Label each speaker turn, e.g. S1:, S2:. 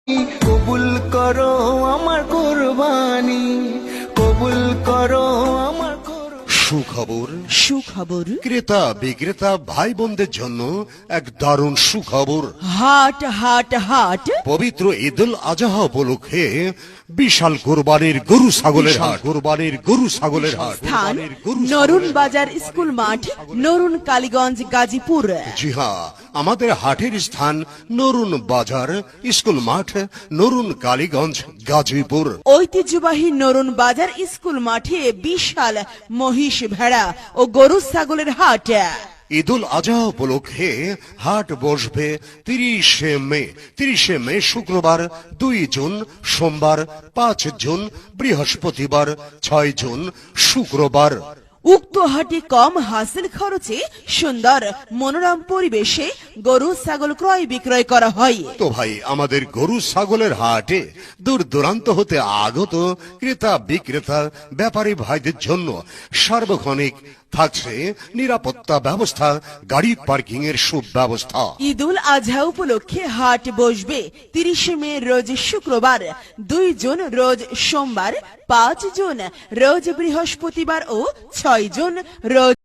S1: কবুল করো আমার কুরবানি, কবুল করো আমার
S2: সুখবর
S3: সুখবর
S2: ক্রেতা বিক্রেতা ভাই বোনদের জন্য এক দারুণ সুখবর।
S3: হাট হাট হাট
S2: পবিত্র ঈদুল আজহা উপলক্ষে বিশাল কোরবানির গরু ছাগলের হাট, কোরবানির গরু ছাগলের হাট,
S3: স্থান নরুন বাজার স্কুল মাঠ, নরুন কালীগঞ্জ, গাজীপুর।
S2: জি হ্যাঁ, আমাদের হাটের স্থান নরুন বাজার স্কুল মাঠ, নরুন কালীগঞ্জ, গাজীপুর।
S3: ঐতিহ্যবাহী নরুন বাজার স্কুল মাঠে বিশাল মহিষ, ভেড়া ও গরু ছাগলের হাট।
S2: ঈদুল আজহা উপলক্ষে হাট বসবে 30 মে শুক্রবার, 2 জুন সোমবার, 5 জুন বৃহস্পতিবার, 6 জুন শুক্রবার।
S3: উক্ত হাটে কম হাসিল খরচে সুন্দর মনোরম পরিবেশে গরু ছাগল ক্রয় বিক্রয় করা হয়।
S2: তো ভাই, আমাদের গরু ছাগলের হাটে দূর দূরান্ত হতে আগত ক্রেতা বিক্রেতা ব্যাপারী ভাইদের জন্য সার্বক্ষণিক থাকছে নিরাপত্তা ব্যবস্থা, গাড়ি পার্কিং এর সুব্যবস্থা।
S3: ঈদুল আজহা উপলক্ষে হাট বসবে 30 মে রোজ শুক্রবার, 2 জুন রোজ সোমবার, 5 জুন রোজ বৃহস্পতিবার ও 6 জুন রোজ